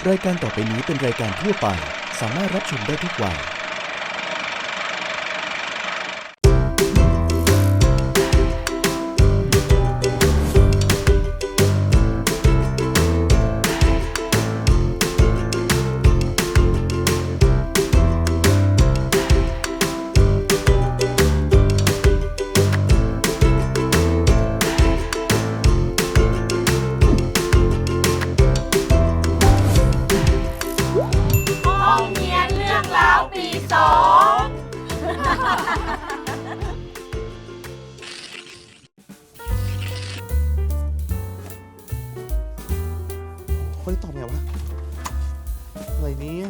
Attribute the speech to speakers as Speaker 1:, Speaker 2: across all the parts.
Speaker 1: รายการต่อไปนี้เป็นรายการทั่วไปสามารถรับชมได้ทุกวัย
Speaker 2: คนตอบไงวะอะไรเนี่ย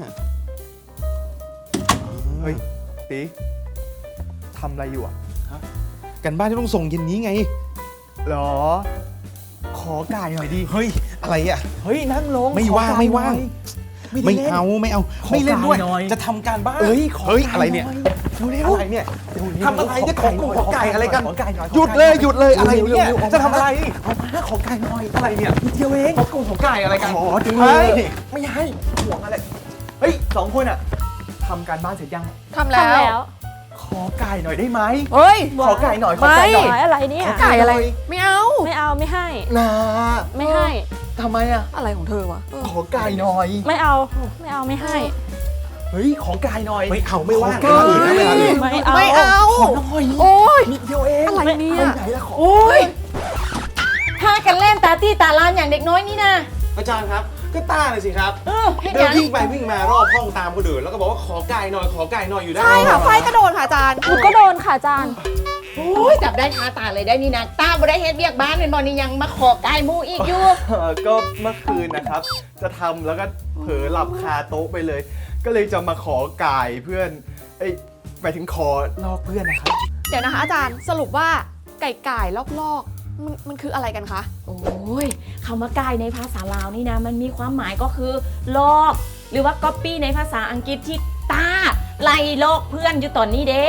Speaker 2: เฮ้ยตีทำอะไรอยู่อ่ะกันบ้านที่ต้องส่งเย็นนี้ไงหรอขอไก่หน่อยดิเฮ้ยอะไรอ่ะเฮ้ยนั่งลงไม่ว่างไม่เอาไม่เล่นด้วยจะทำการบ้านเฮ้ยอะไรเนี่ยอะไรเนี่ยทำอะไรเนี่ยขอไก่อะไรกันหยุดเลยอะไรเนี่ยจะทำอะไรเอามาขอไก่หน่อยอะไรเนี่ยเดียวเองขอไก่อะไรกันขอจังเลยไม่ให้ห่วงอะไรเฮ้ยสองคนอ่ะทำการบ้านเสร็จยัง
Speaker 3: ทำแล้ว
Speaker 2: ขอไก่หน่อยได้ไหม
Speaker 3: เฮ้ย
Speaker 2: ขอไก่หน่อยขอไก่หน่อย
Speaker 3: อะไรเนี่ย
Speaker 2: ไก่อะไร
Speaker 3: ไม่เอา
Speaker 4: ไม่ให้
Speaker 2: นา
Speaker 4: ไม่ให้
Speaker 2: ทำไมอ่ะ
Speaker 3: อะไรของเธอวะ
Speaker 2: ขอไก่หน่อย
Speaker 4: ไม่ให้
Speaker 2: เฮ้ยขอไก่หน่อยไม่เอาไม่ว่าง
Speaker 4: ไม่เอา
Speaker 2: ขอหน่อย
Speaker 3: โอ้ย
Speaker 2: นิดเดียวเอง
Speaker 3: อะไรเนี่ย
Speaker 2: ไหนละขอ
Speaker 3: โอ้ย
Speaker 4: พากันเล่นตาตี้ตาลานอย่างเด็กน้อยนี่นะ
Speaker 5: อาจารย์ครับก็ต้าเลยสิครับ
Speaker 4: ให้
Speaker 5: เดิน
Speaker 4: ยัง
Speaker 5: วิ่งไปวิ่งมารอบห้องตามคนอื่นแล้วก็บอกว่าขอไก่หน่อยขอไก่หน่อยอยู่ได้
Speaker 3: ใช่ค่ะไฟกระโดดค่ะอาจารย์
Speaker 4: หนูก็โดนค่ะอาจารย์
Speaker 6: โอ้ยจับได้คาตาเลยได้นี่นะตาบ่ได้เฮ็ดเวียกบ้านเป็นบอนี่ยังมาขอไก่หมูอีกอยู่
Speaker 2: ก็เมื่อคืนนะครับ จะทำแล้วก็เผลอหลับคาโต๊ะไปเลย ก็เลยจะมาขอไก่เพื่อนหมายถึงขอลอกเพื่อนนะครับ
Speaker 3: เดี๋ยวนะคะอาจารย์สรุปว่าไก่ลอกมันคืออะไรกันคะ
Speaker 6: โอ้ยคำว่าไก่ในภาษาลาวนี่นะมันมีความหมายก็คือลอก หรือว่าก๊อปปี้ในภาษาอังกฤษที่ตาไล่ลอกเพื่อนอยู่ตอนนี้เด้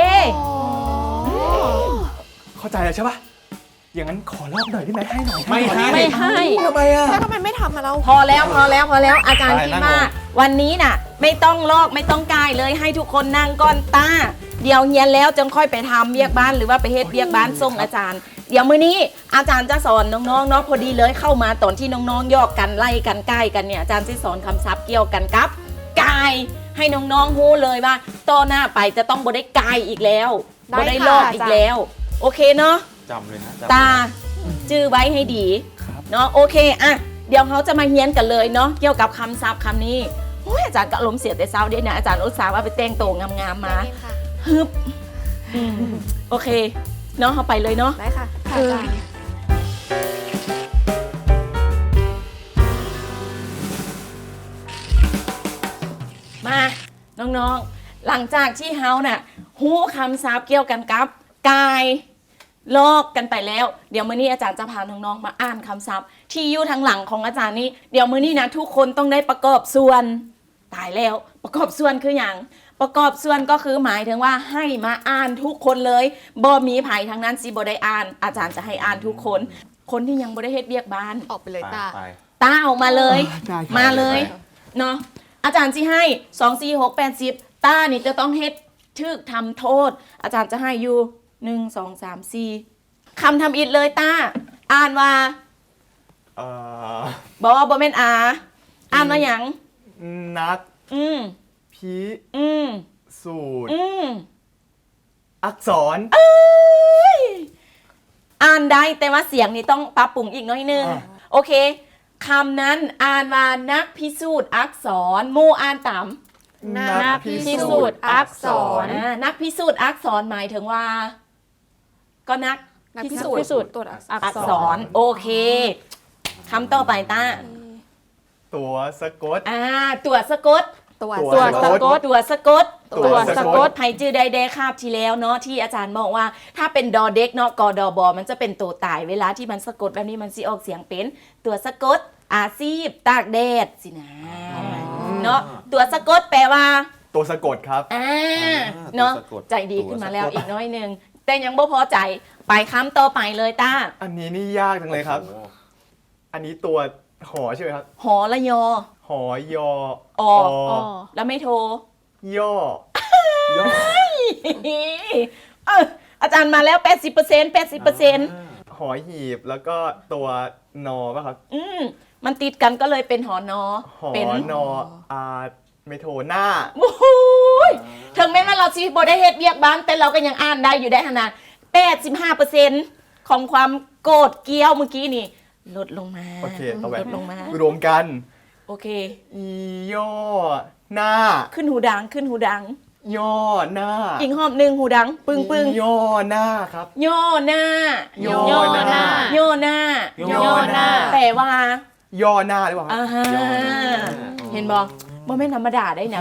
Speaker 2: เข้าใจแล้วใช่ปะอย่างนั้นขอลอกหน่อยได้ไหมให้หน่อย
Speaker 5: ไม่ให้
Speaker 4: ไม่ให้
Speaker 2: ทำไมอ่ะ
Speaker 3: แล้วทำไมไม่ทำมาเรา
Speaker 6: พอแล้วอาจารย์
Speaker 5: ไป
Speaker 6: คิด
Speaker 5: นั่ง
Speaker 6: ว่า
Speaker 5: ลง
Speaker 6: วันนี้น่ะไม่ต้องลอกไม่ต้องกายเลยให้ทุกคนนั่งก่อนตาเดี๋ยวเฮียนแล้วจึงค่อยไปทำเวียกบ้านหรือว่าไปเฮ็ดเวียกบ้านส่งอาจารย์ เดี๋ยวมื้อนี้อาจารย์จะสอนน้องๆเนาะพอดีเลยเข้ามาตอนที่น้องๆยอกกันไล่กันใกล้กันเนี่ยอาจารย์จะสอนคำศัพท์เกี่ยวกันกับกายให้น้องๆรู้เลยว่าต่อหน้าไปจะต้องบ่ได้กายอีกแล้วบ่ได้ลอกอีกแล้วโอเคเนาะ
Speaker 5: จำเลยนะจำ
Speaker 6: ตาจื้อไว้ให้ดีเนาะโอเคอ่ะเดี๋ยวเขาจะมาเฮียนกันเลยเนาะเกี่ยวกับคำศัพท์คำนี้โอ้ยอาจารย์ก็อารมณ์เสียแต่เช้าเด้นะอาจารย์อุตส่าห์ว่าไปแต่งตัวงามๆมาฮึบโอเคเนาะเขาไปเลยเนาะ
Speaker 3: ได้ค่ะ
Speaker 4: ค่ะอาจารย์
Speaker 6: มาน้องๆหลังจากที่เฮาน่ะฮู้คำศัพท์เกี่ยวกันกับกายลอกกันไปแล้วเดี๋ยวมื้อนี้อาจารย์จะพาน้องๆมาอ่านคำศัพท์ที่อยู่ทางหลังของอาจารย์นี้เดี๋ยวมื้อนี้นะทุกคนต้องได้ประกอบส่วนตายแล้วประกอบส่วนคืออย่างประกอบส่วนก็คือหมายถึงว่าให้มาอ่านทุกคนเลยบ่มีไผทั้งนั้นสิบ่ได้อ่าน อาจารย์จะให้อ่านทุกคนคนที่ยังบ่ได้เฮ็ดเวียกบ้าน
Speaker 3: ออกไปเลยตา
Speaker 5: ไป
Speaker 6: ตาออกมาเลย
Speaker 2: ได้ครับ
Speaker 6: มาเลยเนาะอาจารย์ที่ให้2 4 6 8 10ตานี่จะต้องเฮ็ดทึกทำโทษ อาจารย์จะให้อยู่1 2 3 4คำทำอิดเลยตาอ่านว่า บอกว่าบ่แม่นอ่านว่าหยัง
Speaker 2: นัด
Speaker 6: อืม
Speaker 2: พิ
Speaker 6: อืม
Speaker 2: สูตร
Speaker 6: อืม
Speaker 2: อักษร
Speaker 6: อ่านได้แต่ว่าเสียงนี่ต้องปรับปรุงอีกน้อยนึง
Speaker 2: อ่า
Speaker 6: โอเคคำนั้นอ่านว่านักพิสูจน์อักษรหมู่อ่านตาม
Speaker 3: นักพิสูจน์อักษร
Speaker 6: นักพิสูจน์อักษรหมายถึงว่า ก็นัก
Speaker 3: พิสูจน์ตรวจ
Speaker 6: อักษรโอเคคำต่อไปต้า
Speaker 2: ตัวสะกด
Speaker 6: ตัวสะกด
Speaker 3: ตัว
Speaker 2: ตัวสะกด
Speaker 6: ตัวสะกด
Speaker 2: ตัวสะกด
Speaker 6: ไผจื้อได้แดคาบที่แล้วเนาะที่อาจารย์บอกว่า ถ้าเป็นดอเด็กเนาะกอดอบอมันจะเป็นตัวตายเวลาที่มันสะกดแบบนี้มันสิออกเสียงเป็นตัวสะกดอาชีพตากแดดสินะเนาะตัวสะกดแปลว่า
Speaker 2: ตัวสะกดครับ
Speaker 6: เนาะ
Speaker 5: ตัวสะกด
Speaker 6: ใจดีขึ้นมาแล้วอีกน้อยหนึงแต่ยังบ่พอใจไปคำต่อไปเลยต้า
Speaker 2: อันนี้นี่ยากจังเลยครับ
Speaker 5: โอ้โห
Speaker 2: อันนี้ตัวหอใช่ไหมครับ
Speaker 6: หอละยอ
Speaker 2: หอยอ
Speaker 6: อ แล้วไม่โทร
Speaker 2: ย่อ
Speaker 6: เอออาจารย์มาแล้ว 80%
Speaker 2: หอหีบแล้วก็ตัวนอป่ะครับ
Speaker 6: มันติดกันก็เลยเป็นหอนอ
Speaker 2: หอ
Speaker 6: เป็น
Speaker 2: นอไม่โทหน้า
Speaker 6: โอ้โหยถึงแม้ว่าเราชีวิตบ่ได้เฮ็ดเวียกบ้านแต่เราก็ยังอ่านได้อยู่ได้ขนาด85%ของความโกรธเกรี้ยวเมื่อกี้นี่ลดลงมา
Speaker 2: โอเคต่อไป
Speaker 6: ลดลงมาร
Speaker 2: วมกัน
Speaker 6: โอเค
Speaker 2: อีย่อหน้า
Speaker 6: ขึ้นหูดังขึ้นหูดัง
Speaker 2: ย่อหน้า
Speaker 6: อีกหอบหนึ่งหูดัง ปึ้งปึ้ง
Speaker 2: ย่อหน้าครับ
Speaker 6: ย่อหน้า
Speaker 2: ย่อหน้า
Speaker 6: ย่อหน้า
Speaker 2: ย่อหน้า
Speaker 6: แต่ว่า
Speaker 2: ย่อหน้าหรือเปล่าครับ
Speaker 6: อ่าฮะเห็นบอกว่าไม่ธรรมดาได้นะ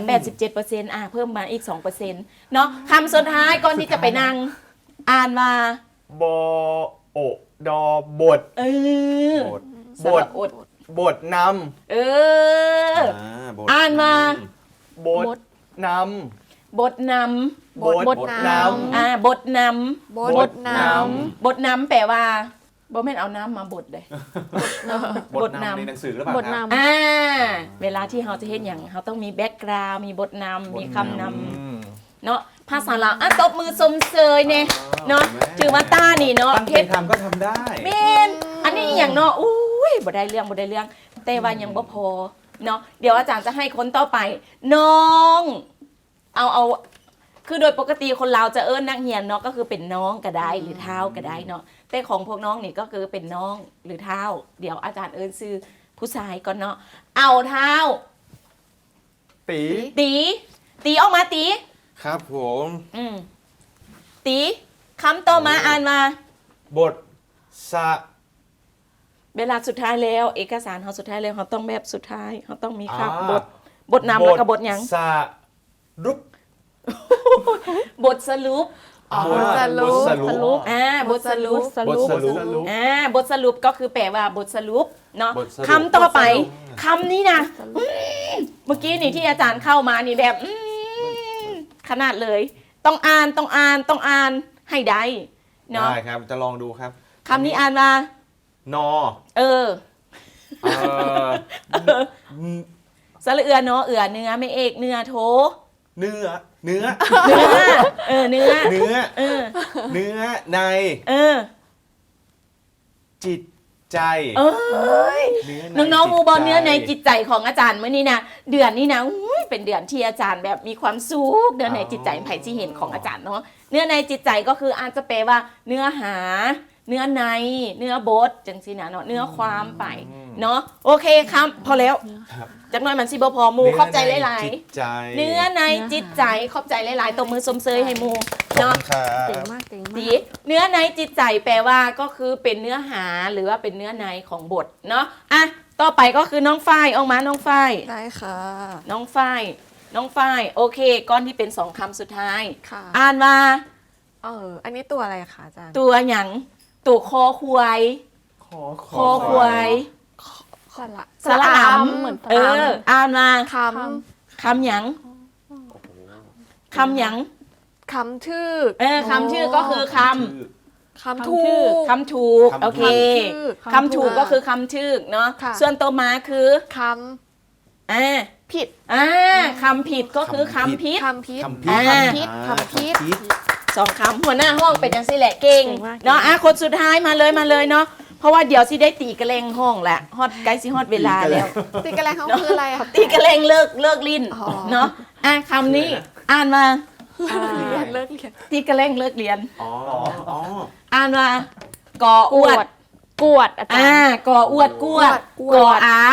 Speaker 6: 87%เพิ่มมาอีก 2%เนาะคำสุดท้ายก่อนที่จะไปนั่งอ่านมา
Speaker 2: บอโอดอบท
Speaker 6: เออบ
Speaker 2: ท
Speaker 6: สระอด
Speaker 2: บทน
Speaker 6: เออ อ่านมา
Speaker 2: ำบทน
Speaker 6: บทน
Speaker 2: ำบทน
Speaker 6: ำบทน
Speaker 3: บทน้
Speaker 6: ำบทนำแปลว่าบ่แม่นเอาน้ำมาบดเลย
Speaker 5: บทนำในหนังสือหรือเปล่า
Speaker 3: ำบท
Speaker 5: ครับ
Speaker 3: น้
Speaker 6: เวลาที่เราจะเห็นอย่างเราต้องมีแบ็กกราวด์มีบทนำมีคำนำเนาะภาษาลาวตบมือสมเสยเนี่ยเนาะถือว่าต้านี่เนาะ
Speaker 5: ตั้งใจทำก็ทำได้
Speaker 6: เมนอันนี้อย่างเนาะอุ้ยบ่ได้เรื่องแต่ว่ายังบ่พอเนาะเดี๋ยวอาจารย์จะให้คนต่อไป น้องเอาคือโดยปกติคนเราวจะเอิ้นนักเรียนเนาะก็คือเป็นน้องก็ได้หรือเท้าก็ได้เนาะแต่ของพวกน้องนี่ก็คือเป็นน้องหรือเท้าเดี๋ยวอาจารย์เอิ้นชื่อผู้ชายก่อนเนาะเอาเท้า
Speaker 2: ำตี
Speaker 6: ตีออกมาตี
Speaker 5: ครับผม
Speaker 6: ตีคำต่อมาอ่านมา
Speaker 5: บทสะ
Speaker 6: เวลาสุดท้ายแล้วเอกสารเขาสุดท้ายแล้วเขาต้องแบบสุดท้ายเขาต้องมีครับ
Speaker 5: อ่า
Speaker 6: บทนำแล้วก็บทหยัง
Speaker 5: สะรุป
Speaker 6: บทสรุป
Speaker 3: ำบทสรุป
Speaker 5: บทสรุป
Speaker 6: บทสรุป
Speaker 5: บทสรุป
Speaker 6: บทสรุปก็คือแปลว่าบทสรุปเนาะ
Speaker 5: บทสรุป
Speaker 6: คำต่อไปคำนี้นะเมื่อกี้นี่ที่อาจารย์เข้ามานี่แบบขนาดเลย ต้องอ่านให้ได้เนาะ
Speaker 5: ได้ครับจะลองดูครับ
Speaker 6: คำนี้อ่านมา
Speaker 5: นอ
Speaker 6: เออ
Speaker 5: เอ่อ
Speaker 6: สระเอือเนาะเอือเนื้อไม่เอกเนื้อโท
Speaker 5: เนื้อ
Speaker 6: เนื้อเออ
Speaker 5: เนื้อใน
Speaker 6: เออ
Speaker 5: จิตใจ
Speaker 6: เอ้ย น้องๆมูบอลเนื้อในจิตใจของอาจารย์เมื่อนี้นะเดือนนี้นะอุ้ยเป็นเดือนที่อาจารย์แบบมีความสุขเนื้อในจิตใจไผ่ที่เห็นของอาจารย์เนาะเนื้อในจิตใจก็คืออาจจะแปลว่า เนื้อหา เนื้อในเนื้อบทจังสินะเนาะเนื้อความไปเนาะโอเคครับพอแล้ว
Speaker 5: ครับ
Speaker 6: จากหน้อยมันสิบพอมูขอบใจหลาย
Speaker 5: จิตใจ
Speaker 6: ๆเนื้อในจิตใจขอบใจหลายๆตบมือสมเสยให้มูเนาะ
Speaker 5: ครับ
Speaker 3: เจ๋งมากเจ๋งมา
Speaker 6: ดี
Speaker 3: ก
Speaker 6: เนื้อในจิตใจแปลว่าก็คือเป็นเนื้อหาหรือว่าเป็นเนื้อในของบทเนาะอ่ะต่อไปก็คือน้องฝ้ายออกมาน้องฝ้าย
Speaker 3: ได้ค่ะ
Speaker 6: น้องฝ้ายโอเคก้อนที่เป็น2คำสุดท้าย
Speaker 3: ค่ะ
Speaker 6: อ่านมา
Speaker 3: อันนี้ตัวอะไรคะอาจารย์
Speaker 6: ตัวหยังตัวคอควาย
Speaker 2: ขอ
Speaker 6: คอควาย
Speaker 3: สระ
Speaker 6: อำ
Speaker 3: เหมือนส
Speaker 6: เอ
Speaker 3: ระ
Speaker 6: ออ่านมา
Speaker 3: ค
Speaker 6: คำหยังคำหยัง
Speaker 3: คำชื่อ
Speaker 6: คำชื่อก็คือค
Speaker 3: คำถูก
Speaker 6: ำคำถูกโอเค
Speaker 3: คำถูก
Speaker 6: คำถูกก็คือคำชื่อเนาะ
Speaker 3: ค่ะ
Speaker 6: ส่วนตัวมาคือ
Speaker 3: ค ผิด
Speaker 6: คำผิดก็คือคำพิษ
Speaker 3: ำคำพิษ
Speaker 5: คำพิษ
Speaker 3: คำพิษคำพิษ
Speaker 6: สองคำหัวหน้าห้องเป็นยังสิแหละเก่ง
Speaker 3: เก่งมาก
Speaker 6: เนาะคนสุดท้ายมาเลยเนาะเพราะว่าเดี๋ยวสิได้ตีกระเลงห้องแหละฮอตใกล้สิฮอตเวลาแล้ว
Speaker 3: ตีกันอะไรเขาคืออะไรอะ
Speaker 6: ตีกระเลงเลิกลิ้น
Speaker 3: อ๋อ
Speaker 6: เนาะคำนี้อ่านมา
Speaker 3: เรียนเลิกเรียน
Speaker 6: ตีกระเลงเลิกเรียน
Speaker 5: อ๋ออ๋อ
Speaker 6: อ่านมากออวด
Speaker 3: กวดอาจารย์
Speaker 6: กออวดกวด
Speaker 3: กวด
Speaker 6: กออาก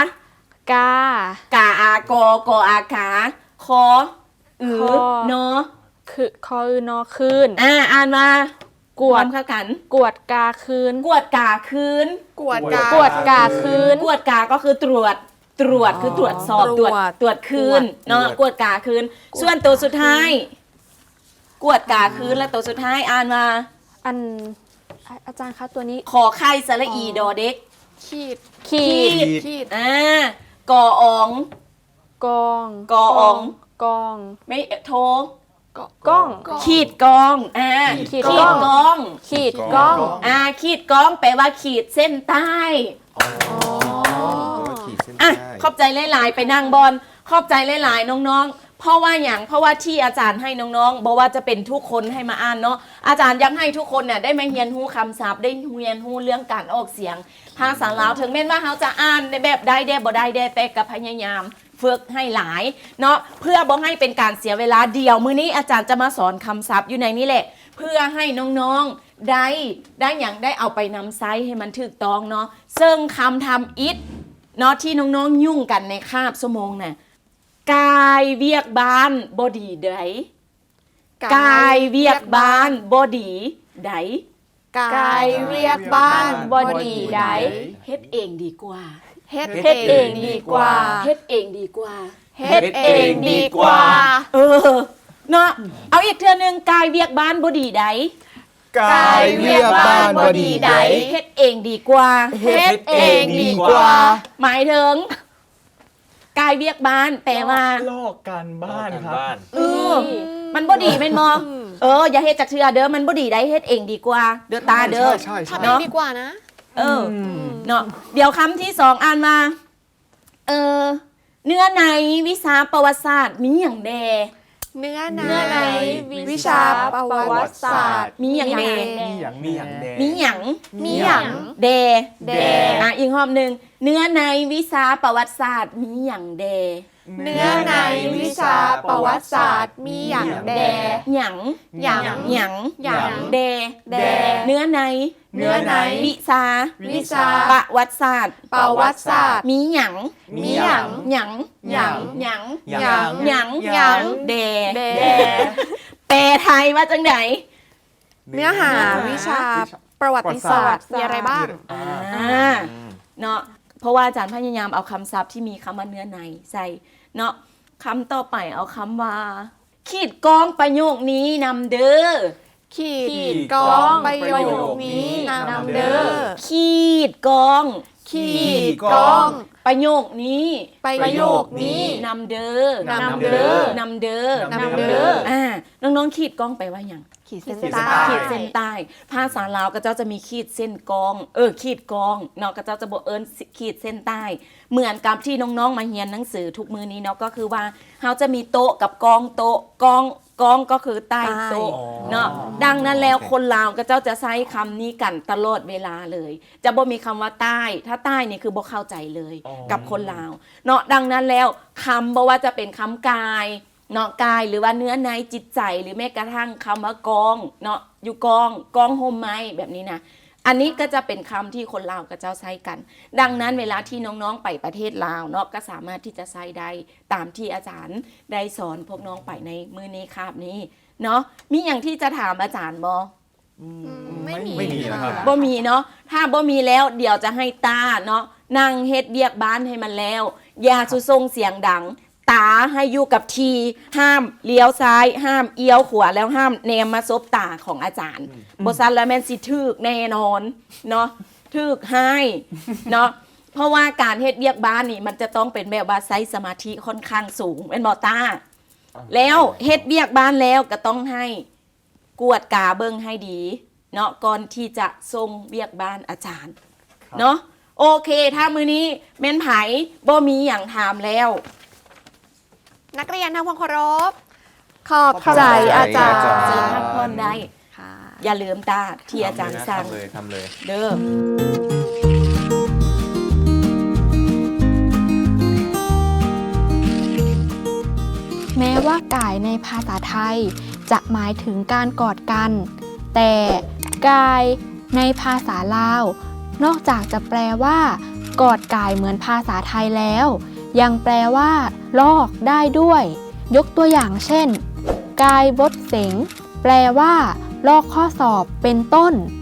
Speaker 3: าก
Speaker 6: าอากออาขาคออือเนาะ
Speaker 3: คือคออือนอคืน
Speaker 6: อ่านมาก
Speaker 3: ว
Speaker 6: พร้
Speaker 3: ด
Speaker 6: อมเข้ากัน
Speaker 3: กวดกาคืน
Speaker 6: กวดกาคืน
Speaker 3: กวดกาคืน
Speaker 6: กวดกาก็คือตรวจคือตรวจสอบ
Speaker 3: ตรวจ
Speaker 6: ตรวจคืนเนาะกวดกาคืน ส่วนตัวสุดท้าย กวดกาคืนและตัวสุดท้ายอ่านมา
Speaker 3: อันอาจารย์คะตัวนี้
Speaker 6: ขอไข่สระอีดอเด็ก
Speaker 3: ขีด
Speaker 6: ขีดกอออง
Speaker 3: กอง
Speaker 6: กอออง
Speaker 3: กอง
Speaker 6: ไม่โทร
Speaker 3: ก้อง
Speaker 6: ขีดกองขีดกอง
Speaker 3: ขีดก้อง
Speaker 6: ขีดกองแปลว่าขีดเส้นใต้อ่ะ
Speaker 2: ใช่
Speaker 6: ขอบใจหลายๆไปนั่งบอลขอบใจหลายๆน้องๆเพราะว่าที่อาจารย์ให้น้องๆบอกว่าจะเป็นทุกคนให้มาอ่านเนาะอาจารย์อยากให้ทุกคนเนี่ยได้มาเรียนรู้คำศัพท์ได้เรียนรู้เรื่องการออกเสียงภาษาลาวถึงแม้ว่าเขาจะอ่านในแบบได้บ่ได้แต่ก็พยายามฝึกให้หลายเนาะเพื่อบ่ให้เป็นการเสียเวลาเดียวมื้อนี้อาจารย์จะมาสอนคำศัพท์อยู่ในนี้แหละเพื่อให้น้องๆได้อย่างได้เอาไปนำไซส์ให้มันถูกต้องเนาะซึ่งคำทำอิฐเนาะที่น้องๆยุ่งกันในคาบชั่วโมงน่ะกายเวียกบ้านบดีไดกายเวียกบ้านบดีได
Speaker 3: กายเรียกบ้านบอดีได
Speaker 6: เฮ็ดเองดีกว่า
Speaker 3: เฮ็ดเองดีกว่า
Speaker 6: เฮ็ดเองดีกว่า
Speaker 3: เฮ็ดเองดีกว่า
Speaker 6: เออเนาะเอาอีกเทื่อนึงกายเวียกบ้านบดีได
Speaker 2: กายเวียกบ้านบดีได
Speaker 6: เฮ็ดเองดีกว่า
Speaker 3: เฮ็ดเองดีกว่า
Speaker 6: หมายถึงกายเวียกบ้านแปลว่า
Speaker 7: ลอกการบ้านครับ
Speaker 6: เออมันบ่ดีแม่นบ่อย่าเฮ็ดจักเทื่อเด้อมันบ่ดีได้เฮ็ดเองดีกว่าเด้อตาเด้อ
Speaker 2: ใช่
Speaker 3: ทำเองดีกว่านะ
Speaker 6: เออเนาะเดี๋ยวคำที่สองอ่านมาเนื้อในวิชาประวัติศาสตร์มีหยังแด
Speaker 3: เนื้อในวิชาประวัติศาสตร์
Speaker 6: มีหยังแด
Speaker 7: มีอย่างแดง
Speaker 6: มีหยัง
Speaker 3: มีหยัง
Speaker 6: แด
Speaker 3: แด
Speaker 6: อีกรอบหนึงเนื้อในวิชาประวัติศาสตร์มีหยังแด
Speaker 3: เนื้อในวิชาประวัติศาสตร์มีอย่างแด
Speaker 6: หยัง
Speaker 3: หยัง
Speaker 6: หยัง
Speaker 3: หยัง
Speaker 6: แด
Speaker 3: แด
Speaker 6: เนื้อใน
Speaker 3: เนื้อใน
Speaker 6: วิชา
Speaker 3: วิชา
Speaker 6: ประวัติศาสตร์
Speaker 3: ประวัติศาสตร์
Speaker 6: มีหยัง
Speaker 3: มีหยัง
Speaker 6: หยัง
Speaker 3: หยัง
Speaker 6: หยัง
Speaker 3: หยัง
Speaker 6: หยัง
Speaker 3: หยัง
Speaker 6: แด
Speaker 3: แด
Speaker 6: แปลไทยว่าจังไหน
Speaker 3: เนื้อหาวิชาประวัติศาสตร์มีอะไรบ้าง
Speaker 6: เนาะเพราะว่าอาจารย์พยายามเอาคำศัพท์ที่มีคำว่าเนื้อในใส่เนาะคำต่อไปเอาคำว่า ขีดกองประโยคนี้นำเด้อ
Speaker 3: ขีดกองประโยคนี้นำเด้อ
Speaker 6: ขีดกอง
Speaker 3: ขีดกอง
Speaker 6: ประโยคนี้
Speaker 3: ประโยคนี้
Speaker 6: นำเด้อน
Speaker 3: ำเด้อ
Speaker 6: นำเด้อน
Speaker 3: ำเด้อ
Speaker 6: น้องๆขีดกองไปว่าอย่าง
Speaker 3: ขีดเส้น
Speaker 7: ขีดเส้น
Speaker 3: ใต้
Speaker 7: ใต้
Speaker 6: ขีดเส้นใต้ภาษาลาวก็เจ้าจะมีขีดเส้นกองขีดกองเนาะก็เจ้าจะบอกขีดเส้นใต้ เหมือนกับที่น้องๆมาเรียนหนังสือทุกมือนี้เนาะก็คือว่าเขาจะมีโต๊ะกับกองโต๊ะกองก็คือใต้โต๊ะเนาะดังนั้นแล้วคนลาวก็เจ้าจะใช้คำนี้กันตลอดเวลาเลย จะบ่มีคำว่าใต้ถ้าใต้นี่คือบ่เข้าใจเลยกับคนลาวเนาะดังนั้นแล้วคำบ่ว่าจะเป็นคำกายเนาะกายหรือว่าเนื้อในจิตใจหรือแม้กระทั่งคำว่ากองเนาะอยู่กองโฮมไม้แบบนี้นะอันนี้ก็จะเป็นคำที่คนลาวกับเจ้าใช้กันดังนั้นเวลาที่น้องๆไปประเทศลาวเนาะก็สามารถที่จะใช้ได้ตามที่อาจารย์ได้สอนพวกน้องไปในมื้อนี้คาบนี้เนาะมีอย่างที่จะถามอาจารย์บ่
Speaker 3: ไม่มี
Speaker 7: ไม่มีนะครับ
Speaker 6: บ่มีเนาะถ้าบ่มีแล้วเดี๋ยวจะให้ตาเนาะนั่งเฮ็ดเวียกบ้านให้มันแล้วอย่าสุส่งเสียงดังตาให้อยู่กับทีห้ามเลี้ยวซ้ายห้ามเอี้ยวขวาแล้วห้ามแนมมาซบตาของอาจารย์บ่ซันแล้วแม่นสิถึกแน่นอนเนาะถึกให้เนาะเพราะว่าการเฮ็ดเวียกบ้านนี่มันจะต้องเป็นแบบว่าใช้สมาธิค่อนข้างสูงเป็นบ่ตาแล้วเฮ็ดเวียกบ้านแล้วก็ต้องให้กวดกาเบิ่งให้ดีเนาะก่อนที่จะส่งเวียกบ้านอาจารย์เนาะโอเคถ้ามื้อนี้แม่นไผบ่มีหยังถามแล้ว
Speaker 3: นักเรียนทำความเคารพขอบใจอาจารย์
Speaker 6: เจอพักผ่อนได้
Speaker 3: ค่ะ
Speaker 6: อย่าลืมตาที่อาจารย์สั่ง
Speaker 2: ทำเลย
Speaker 6: เด้อ
Speaker 8: แม้ว่ากายในภาษาไทยจะหมายถึงการกอดกัน แต่กายในภาษาลาวนอกจากจะแปลว่ากอดกายเหมือนภาษาไทยแล้ว ยังแปลว่าลอกได้ด้วย ยกตัวอย่างเช่น กายบดเสงแปลว่าลอกข้อสอบเป็นต้น